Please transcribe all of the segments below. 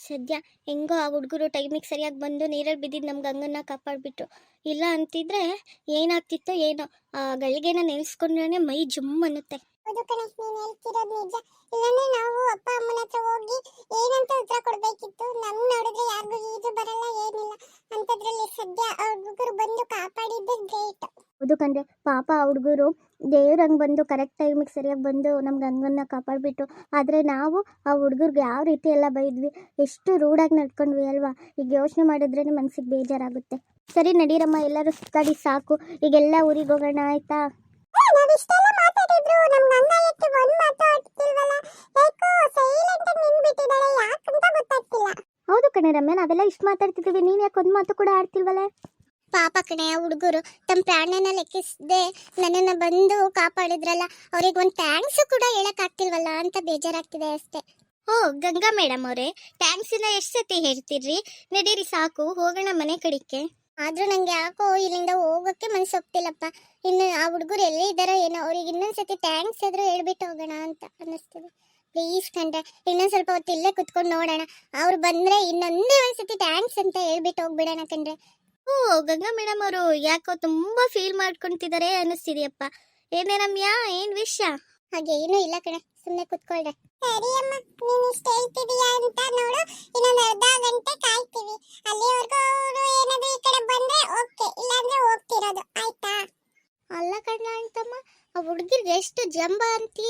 ಸದ್ಯ ಹೆಂಗೋ ಆ ಹುಡುಗರು ಟೈಮಿಗೆ ಸರಿಯಾಗಿ ಬಂದು ನೀರಲ್ಲಿ ಬಿದ್ದಿದ್ದು ನಮ್ಮ ಗಂಗನ್ನ ಕಾಪಾಡಿಬಿಟ್ರು. ಇಲ್ಲ ಅಂತಿದ್ರೆ ಏನಾಗ್ತಿತ್ತೋ ಏನೋ. ಆ ಗಳಿಗೆನ ನೆನೆಸ್ಕೊಂಡ್ರೆ ಮೈ ಜುಮ್ ಅನ್ನುತ್ತೆ. ಹೌದು ಕಣೆ, ನೀನು ಹೇಳ್ತಿರೋದು ನಿಜ. ಇಲ್ಲಾಂದ್ರೆ ನಾವು ಅಪ್ಪ ಅಮ್ಮನ ಹತ್ರ ಹೋಗಿ ಏನಂತ ಉತ್ತರ ಕೊಡ್ಬೇಕಿತ್ತು. ನಮ್ ನೋಡಿದ್ರೆ ಯಾರಿಗೂ ಈಜು ಬರಲ್ಲ, ಏನಿಲ್ಲ. ಅಂತದ್ರಲ್ಲಿ ಸದ್ಯ ಆ ಹುಡುಗರು ಬಂದು ಕಾಪಾಡಿದ್ದು ಗ್ರೇಟ್. ಹೌದು ಕಂಡ್ರೆ, ಪಾಪ ಆ ಹುಡುಗರು ದೇವ್ರಂಗೆ ಬಂದು ಕರೆಕ್ಟ್ ಟೈಮಿಗೆ ಸರಿಯಾಗಿ ಬಂದು ನಮ್ಮ ಗಂಗನ್ನ ಕಾಪಾಡಿಬಿಟ್ರು. ಆದರೆ ನಾವು ಆ ಹುಡುಗರಿಗೆ ಯಾವ ರೀತಿ ಎಲ್ಲ ಬೈದ್ವಿ, ಎಷ್ಟು ರೂಢಾಗಿ ನಡ್ಕೊಂಡ್ವಿ ಅಲ್ವಾ. ಈಗ ಯೋಚನೆ ಮಾಡಿದ್ರೇ ಮನಸ್ಸಿಗೆ ಬೇಜಾರಾಗುತ್ತೆ. ಸರಿ ನಡೀರಮ್ಮ, ಎಲ್ಲರೂ ಸುತ್ತಾಡಿ ಸಾಕು. ಈಗೆಲ್ಲ ಊರಿಗೆ ಹೋಗೋಣ ಆಯ್ತಾ? ನಾವಿಷ್ಟೆಲ್ಲ ಮಾತಾಡಿದ್ರು ನಮ್ ಗಂಗ ಯಾಕೆ ಒಂದ್ ಮಾತು ಆಡ್ತಿಲ್ವಲ್ಲ? ಯಾಕೋ ಸೈಲೆಂಟ್ ಆಗಿ ನಿಂತ್ಬಿಟ್ಟಿದ್ದಾಳೆ, ಯಾಕಂತ ಗೊತ್ತಾಗ್ತಿಲ್ಲ. ಹೌದು ಕಣೆ ರಮ್ಯ, ನಾವೆಲ್ಲ ಇಷ್ಟು ಮಾತಾಡ್ತಿದ್ದೀವಿ, ನೀನು ಯಾಕೆ ಒಂದು ಮಾತು ಕೂಡ ಆಡ್ತಿಲ್ವಲ್ಲ? ಪಾಪ ಕಣೆ, ಆ ಹುಡುಗರು ತಮ್ಮ ಪ್ರಾಣನ ಲೆಕ್ಕಿಸದೆ ನನ್ನನ್ನು ಬಂದು ಕಾಪಾಡಿದ್ರಲ್ಲ, ಅವ್ರಿಗೆ ಒಂದು ಥ್ಯಾಂಕ್ಸ್ ಕೂಡ ಹೇಳಕ್ಕಾಗ್ತಿಲ್ವಲ್ಲ ಅಂತ ಬೇಜಾರಾಗ್ತಿದೆ ಅಷ್ಟೇ. ಓ ಗಂಗಾ ಮೇಡಮ್ ಅವರೇ, ಥ್ಯಾಂಕ್ಸಿನ ಎಷ್ಟು ಸತಿ ಹೇಳ್ತಿರ್ರಿ? ನಡೀರಿ ಸಾಕು, ಹೋಗೋಣ ಮನೆ ಕಡಿಕೆ. ಆದ್ರೂ ನಂಗೆ ಯಾಕೋ ಇಲ್ಲಿಂದ ಹೋಗೋಕ್ಕೆ ಮನಸ್ಸೊಪ್ತಿಲ್ಲಪ್ಪ. ಇನ್ನು ಆ ಹುಡುಗರು ಎಲ್ಲೇ ಇದ್ದಾರೋ ಏನೋ, ಅವ್ರಿಗೆ ಇನ್ನೊಂದ್ಸತಿ ಥ್ಯಾಂಕ್ಸ್ ಆದ್ರೂ ಹೇಳ್ಬಿಟ್ಟು ಹೋಗೋಣ ಅಂತ ಅನ್ನಿಸ್ತಿದೆ. ಪ್ಲೀಸ್ ಕಂಡ್ರೆ, ಇನ್ನೊಂದು ಸ್ವಲ್ಪ ಹೊತ್ತು ಇಲ್ಲೇ ಕುತ್ಕೊಂಡು ನೋಡೋಣ. ಅವ್ರು ಬಂದರೆ ಇನ್ನೊಂದೇ ಒಂದ್ಸತಿ ಥ್ಯಾಂಕ್ಸ್ ಅಂತ ಹೇಳ್ಬಿಟ್ಟು ಹೋಗ್ಬಿಡೋಣ ಕಂಡ್ರೆ. ಓ ಗಂಗಾ ಮೇಡಮ್ ಅವರು ಯಾಕೋ ತುಂಬಾ ಫೀಲ್ ಮಾಡ್ಕೊಂತಿದ್ದಾರೆ ಅನ್ನಿಸ್ತಿದೆಯಪ್ಪ. ಏನೇ ರಮ್ಯಾ, ಏನ್ ವಿಷಯ? ಹಾಗೆ ಏನೂ ಇಲ್ಲ ಕಣೆ, ಸುಮ್ಮನೆ ಕುತ್ಕೊಳ್ರೆ. ಸರಿ ಅಮ್ಮ, ನೀನು ಇಷ್ಟ ಹೇಳ್ತಿದೀಯಾ ಅಂತ ನೋಡು, ಇನ್ನೊಂದು ಅರ್ಧ ಗಂಟೆ ಕಾಯ್ತೀವಿ. ಅಲ್ಲಿವರೆಗೂ ಅವರು ಏನಾದ್ರು ಈ ಕಡೆ ಬಂದ್ರೆ ಓಕೆ, ಇಲ್ಲಾಂದ್ರೆ ಹೋಗ್ತಿರೋದು, ಆಯ್ತಾ? ಅಲ್ಲ ಕಣ್ಣ ಅಂತಮ್ಮ, ಆ ಹುಡುಗಿರ್ಗೆ ಎಷ್ಟು ಜಂಬ ಅಂತೀಯ.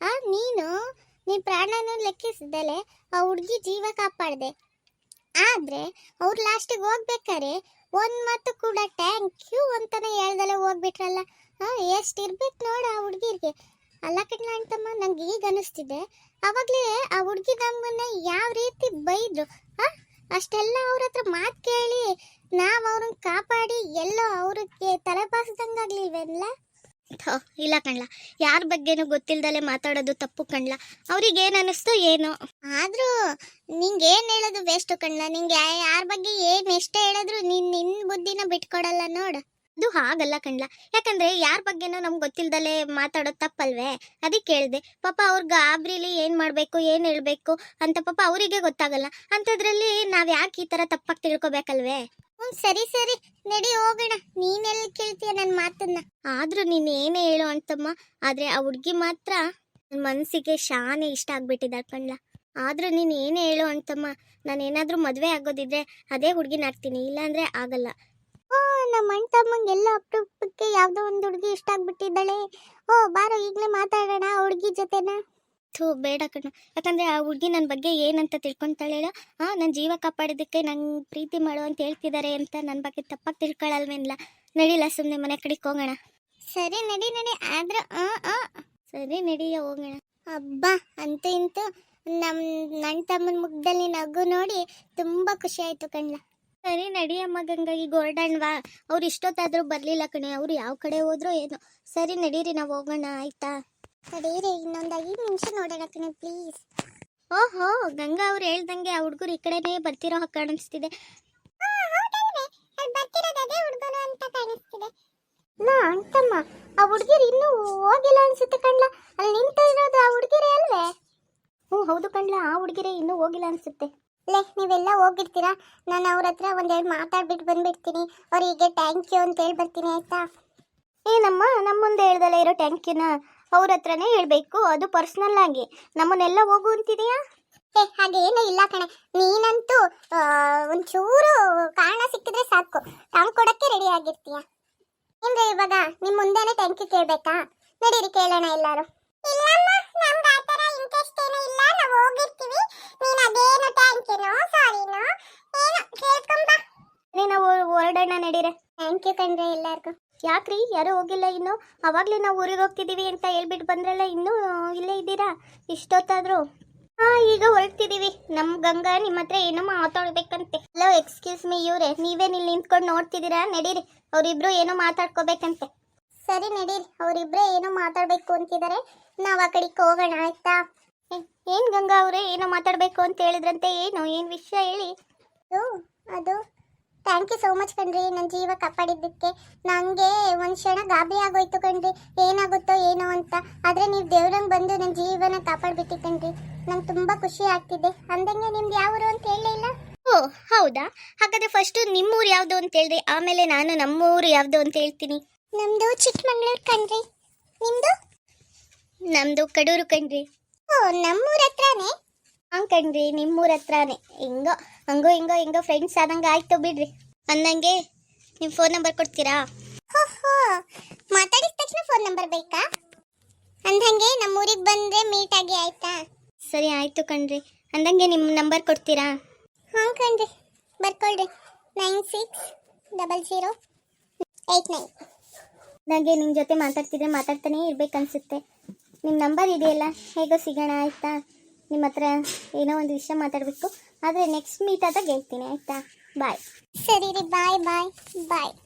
ನೀನ್ ಪ್ರಾಣನ ಲೆಕ್ಕಿಸಿದಲೆ ಆ ಹುಡುಗಿ ಜೀವ ಕಾಪಾಡ್ದೆ. ಆದ್ರೆ ಅವ್ರು ಲಾಸ್ಟಿಗೆ ಹೋಗ್ಬೇಕಾರೆ ಒಂದ್ ಮಾತು ಕೂಡ ಥ್ಯಾಂಕ್ ಯು ಅಂತಾನೆ ಹೇಳ್ದಲೆ ಹೋಗ್ಬಿಟ್ರಲ್ಲ. ಎಷ್ಟಿರ್ಬೇಕು ನೋಡ ಆ ಹುಡುಗಿರ್ಗೆ. ಅಲ್ಲ ಕಣ್ಣ ಅಂತಮ್ಮ, ನಂಗೆ ಈಗ ಅನಿಸ್ತಿದೆ, ಅವಾಗ್ಲೇ ಆ ಹುಡುಗಿ ನಮ್ಮನ್ನ ಯಾವ ರೀತಿ ಬೈದ್ರು. ಅಷ್ಟೆಲ್ಲ ಅವ್ರ ಹತ್ರ ಮಾತು ಕೇಳಿ ನಾವು ಅವ್ರನ್ನ ಕಾಪಾಡಿ ಎಲ್ಲೋ ಅವ್ರಿಗೆ ತಲೆಬಾಸ್ದಂಗಾಗ್ಲಿಲ್ವೇನಲ್ಲ? ಇಲ್ಲ ಕಣ್ಲ, ಯಾರ ಬಗ್ಗೆನೂ ಗೊತ್ತಿಲ್ದಲೆ ಮಾತಾಡೋದು ತಪ್ಪು ಕಣ್ಲ. ಅವ್ರಿಗೆ ಏನು ಅನ್ನಿಸ್ತೋ ಏನೋ. ಆದ್ರೂ ನಿಂಗೆ ಏನು ಹೇಳೋದು ವೇಸ್ಟು ಕಣ್ಲ. ನಿಂಗೆ ಯಾರ ಬಗ್ಗೆ ಏನು ಎಷ್ಟೇ ಹೇಳಿದ್ರು ನಿನ್ನ ಬುದ್ಧಿನ ಬಿಟ್ಕೊಡಲ್ಲ ನೋಡು. ಅದು ಹಾಗಲ್ಲ ಕಣ್ಲ, ಯಾಕಂದ್ರೆ ಯಾರ ಬಗ್ಗೆನೂ ನಮ್ಗೆ ಗೊತ್ತಿಲ್ದಲೆ ಮಾತಾಡೋದು ತಪ್ಪಲ್ವೇ? ಅದಕ್ಕೆ ಹೇಳಿದೆ. ಪಾಪ ಅವ್ರ ಗಾಬ್ರಿಲಿ ಏನು ಮಾಡಬೇಕು ಏನು ಹೇಳಬೇಕು ಅಂತ ಪಾಪ ಅವರಿಗೆ ಗೊತ್ತಾಗಲ್ಲ. ಅಂಥದ್ರಲ್ಲಿ ನಾವು ಯಾಕೆ ಈ ಥರ ತಪ್ಪಾಗಿ ತಿಳ್ಕೊಬೇಕಲ್ವೇ? ಸರಿ ಸರಿ ನಡಿ ಹೋಗೋಣ. ನೀನೆಲ್ಲಿ ಕೇಳ್ತೀಯ ನನ್ನ ಮಾತನ್ನ? ಆದ್ರೂ ನೀನು ಏನೇ ಹೇಳು ಅಂತಮ್ಮ, ಆದ್ರೆ ಆ ಹುಡುಗಿ ಮಾತ್ರ ನನ್ನ ಮನಸ್ಸಿಗೆ ಶಾನೆ ಇಷ್ಟ ಆಗ್ಬಿಟ್ಟಿದ್ದಾಳೆ ಕಣ್ಲ. ಆದ್ರೂ ನೀನು ಏನೇ ಹೇಳು ಅಂತಮ್ಮ, ನಾನೇನಾದ್ರೂ ಮದುವೆ ಆಗೋದಿದ್ರೆ ಅದೇ ಹುಡುಗಿನ ಆಗ್ತೀನಿ, ಇಲ್ಲಾಂದ್ರೆ ಆಗಲ್ಲ. ನಮ್ಮ ಅಣ್ಣ ತಮ್ಮಂಗೆಲ್ಲ ಅಪರೂಪಕ್ಕೆ ಯಾವುದೋ ಒಂದು ಹುಡುಗಿ ಇಷ್ಟ ಆಗ್ಬಿಟ್ಟಿದ್ದಾಳೆ. ಬಾರೋ ಈಗಲೇ ಮಾತಾಡೋಣ ಆ ಹುಡುಗಿ ಜೊತೆನ. ಬೇಡ ಕಣ್ಣ, ಯಾಕಂದ್ರೆ ಆ ಹುಡುಗಿ ನನ್ನ ಬಗ್ಗೆ ಏನಂತ ತಿಳ್ಕೊಂತಾಳೆ ಹೇಳ. ನನ್ನ ಜೀವ ಕಾಪಾಡಿದ್ದಕ್ಕೆ ನಂಗೆ ಪ್ರೀತಿ ಮಾಡು ಅಂತ ಹೇಳ್ತಿದ್ದಾರೆ ಅಂತ ನನ್ನ ಬಗ್ಗೆ ತಪ್ಪಾಗಿ ತಿಳ್ಕೊಳ್ಳಲ್ವೇನಿಲ್ಲ. ನಡಿಲ್ಲ, ಸುಮ್ಮನೆ ಮನೆ ಕಡೆಗೆ ಹೋಗೋಣ. ಸರಿ ನಡಿ ನಡಿ. ಆದ್ರೆ ಸರಿ ನಡಿಯ ಹೋಗೋಣ. ಹಬ್ಬ ಅಂತೂ ಇಂತೂ ನನ್ನ ತಮ್ಮನ ಮುಖದಲ್ಲಿ ನಗು ನೋಡಿ ತುಂಬಾ ಖುಷಿ ಆಯ್ತು ಕಣ್ಣ. ಸರಿ ನಡಿಯಮ್ಮ ಗಂಗಾ, ಈಗ ಹೊರಡಣ್ವಾ? ಅವ್ರು ಇಷ್ಟೊತ್ತಾದ್ರೂ ಬರ್ಲಿಲ್ಲ ಕಣೆ, ಅವ್ರು ಯಾವ ಕಡೆ ಹೋದ್ರೋ ಏನೋ. ಸರಿ ನಡೀರಿ, ನಾವು ಹೋಗೋಣ ಆಯ್ತಾ? ತಡೀರಿ, ಇನ್ನೊಂದು 5 ನಿಮಿಷ ನೋಡೋಣ ಕಣೆ ಪ್ಲೀಸ್. ಓಹೋ, ಗಂಗಾ ಅವ್ರು ಹೇಳ್ದಂಗೆ ಆ ಹುಡುಗರು ಈ ಕಡೆನೇ ಬರ್ತಿರೋ ಹಾಗೆ ಕಾಣಿಸ್ತಿದೆ. ಅಂತಮ್ಮ, ಆ ಹುಡುಗಿರು ಇನ್ನೂ ಹೋಗಿಲ್ಲ ಅನ್ಸುತ್ತೆ ಕಣ್ಲ. ಅಲ್ಲಿ ನಿಂತ ಇರೋದು ಆ ಹುಡುಗಿರೇ ಅಲ್ವೇ? ಹೌದು ಕಣ್ಲ, ಆ ಹುಡುಗಿರೇ ಇನ್ನೂ ಹೋಗಿಲ್ಲ ಅನ್ಸುತ್ತೆ. ನೀವೆಲ್ಲ ಹೋಗಿರ್ತೀರಾ, ನಾನು ಅವ್ರ ಹತ್ರ ಒಂದೆರಡು ಮಾತಾಡ್ಬಿಟ್ಟು ಬಂದ್ಬಿಡ್ತೀನಿ. ಅವರಿಗೆ ಥ್ಯಾಂಕ್ ಯು ಅಂತ ಹೇಳಿ ಬರ್ತೀನಿ, ಆಯ್ತಾ? ಏನಮ್ಮ, ನಮ್ಮ ಮುಂದೆ ಹೇಳ್ದಲ್ಲ ಇರೋ ಥ್ಯಾಂಕ್ ಯುನ ಅವ್ರ ಹತ್ರನೇ ಹೇಳ್ಬೇಕು, ಅದು ಪರ್ಸನಲ್ ಆಗಿ. ನಮ್ಮನ್ನೆಲ್ಲ ಹೋಗು ಅಂತಿದೆಯಾ? ಹಾಗೆ ಏನೂ ಇಲ್ಲ ಕಣೆ. ನೀನಂತೂ ಒಂಚೂರು ಕಾರಣ ಸಿಕ್ಕಿದ್ರೆ ಸಾಕು, ಥ್ಯಾಂಕ್ ಕೊಡಕ್ಕೆ ರೆಡಿ ಆಗಿರ್ತೀಯ. ಏನ್ರಿ ಇವಾಗ ನಿಮ್ಮ ಮುಂದೆನೇ ಥ್ಯಾಂಕ್ ಯು ಕೇಳಬೇಕಾ? ನಡೀರಿ ಕೇಳೋಣ ಎಲ್ಲರೂ. ನಾವು ಹೊರಡೋಣ ನಡೀರೆ. ಥ್ಯಾಂಕ್ ಯು ಕಣ್ರೆ ಎಲ್ಲರಿಗೂ. ಯಾಕ್ರಿ ಯಾರು ಹೋಗಿಲ್ಲ ಇನ್ನು? ಅವಾಗ್ಲೇ ನಾವು ಊರಿಗೆ ಹೋಗ್ತಿದೀವಿ ಅಂತ ಹೇಳ್ಬಿಟ್ಟು ಬಂದ್ರಲ್ಲ, ಇನ್ನೂ ಇಲ್ಲೇ ಇದ್ದೀರಾ ಇಷ್ಟೊತ್ತಾದ್ರು? ಈಗ ಹೊರಡ್ತಿದೀವಿ. ನಮ್ಮ ಗಂಗಾ ನಿಮ್ಮ ಹತ್ರ ಏನೋ ಮಾತಾಡ್ಬೇಕಂತೆ. ಹಲೋ, ಎಕ್ಸ್ಕ್ಯೂಸ್ ಮೀ ಇವ್ರೆ, ನೀವೇನು ಇಲ್ಲಿ ನಿಂತ್ಕೊಂಡು ನೋಡ್ತಿದ್ದೀರಾ? ನಡೀರಿ, ಅವರಿಬ್ರು ಏನೋ ಮಾತಾಡ್ಕೋಬೇಕಂತೆ. ಸರಿ ನಡೀರಿ, ಅವರಿಬ್ರೇ ಏನೋ ಮಾತಾಡ್ಬೇಕು ಅಂತಿದ್ದಾರೆ, ನಾವು ಆ ಕಡೆಗೆ ಹೋಗೋಣ ಆಯ್ತಾ? ಏನ್ ಗಂಗಾ ಅವರೇ ಏನೋ ಮಾತಾಡ್ಬೇಕು ಅಂತ ಹೇಳಿದ್ರಂತೆ, ಏನು ವಿಷಯ ಹೇಳಿ. ಅದು ಥ್ಯಾಂಕ್ ಯು ಸೋ ಮಚ್ ಕಣ್ರಿ, ನನ್ನ ಜೀವ ಕಾಪಾಡಿದ್ದಕ್ಕೆ. ನನಗೆ ಒಂದು ಕ್ಷಣ ಗಾಬರಿ ಆಗೋಯ್ತು ಕಣ್ರಿ, ಏನಾಗುತ್ತೋ ಏನೋ ಅಂತ. ಆದರೆ ನೀವು ದೇವ್ರಂಗೆ ಬಂದು ನನ್ನ ಜೀವನ ಕಾಪಾಡ್ಬಿಟ್ಟಿ ಕಣ್ರಿ, ನಂಗೆ ತುಂಬ ಖುಷಿ ಆಗ್ತಿದೆ. ಅಂದಂಗೆ ನಿಮ್ದು ಯಾವ ಊರು ಅಂತ ಹೇಳಿ? ಹೌದಾ? ಹಾಗಾದ್ರೆ ಫಸ್ಟು ನಿಮ್ಮೂರು ಯಾವುದು ಅಂತ ಹೇಳ್ರಿ, ಆಮೇಲೆ ನಾನು ನಮ್ಮೂರು ಯಾವುದು ಅಂತ ಹೇಳ್ತೀನಿ. ನಮ್ದು ಚಿಕ್ಕಮಂಗ್ಳೂರು ಕಣ್ರಿ. ನಿಮ್ದು? ನಮ್ಮದು ಕಡೂರು ಕಣ್ರಿ. ಓ, ನಮ್ಮೂರ ಹತ್ರನೇ. ಹಾಂ ಕಣ್ರಿ, ನಿಮ್ಮೂರ ಹತ್ರನೇ. ಹಿಂಗೋ ಫ್ರೆಂಡ್ಸ್ ಆದಂಗೆ ಆಯ್ತು ಬಿಡ್ರಿ. ಅಂದಂಗೆ ನಿಮ್ಮ ಫೋನ್ ನಂಬರ್ ಕೊಡ್ತೀರಾ? ಹೋ, ಮಾತಾಡಿದ ತಕ್ಷಣ ಫೋನ್ ನಂಬರ್ ಬೇಕಾ? ಅಂದಂಗೆ ನಮ್ಮೂರಿಗೆ ಬಂದ್ರೆ ಮೀಟ್ ಆಗಿ ಆಯ್ತಾ? ಸರಿ ಆಯಿತು ಕಣ್ರಿ. ಅಂದಂಗೆ ನಿಮ್ಮ ನಂಬರ್ ಕೊಡ್ತೀರಾ? ಹಾಂ ಕಣ್ರಿ, ಬರ್ಕೊಳ್ರಿ. 960089. ನನಗೆ ನಿಮ್ಮ ಜೊತೆ ಮಾತಾಡ್ತಾನೆ ಇರ್ಬೇಕನ್ಸುತ್ತೆ. ನಿಮ್ಮ ನಂಬರ್ ಇದೆಯಲ್ಲ, ಹೇಗೋ ಸಿಗೋಣ ಆಯಿತಾ? ನಿಮ್ಮ ಹತ್ರ ಏನೋ ಒಂದು ವಿಷಯ ಮಾತಾಡಬೇಕು, ಆದರೆ ನೆಕ್ಸ್ಟ್ ಮೀಟ್ ಆದಾಗ ಹೇಳ್ತೀನಿ ಆಯಿತಾ? ಬಾಯ್. ಸರಿ ರೀ, ಬಾಯ್ ಬಾಯ್ ಬಾಯ್.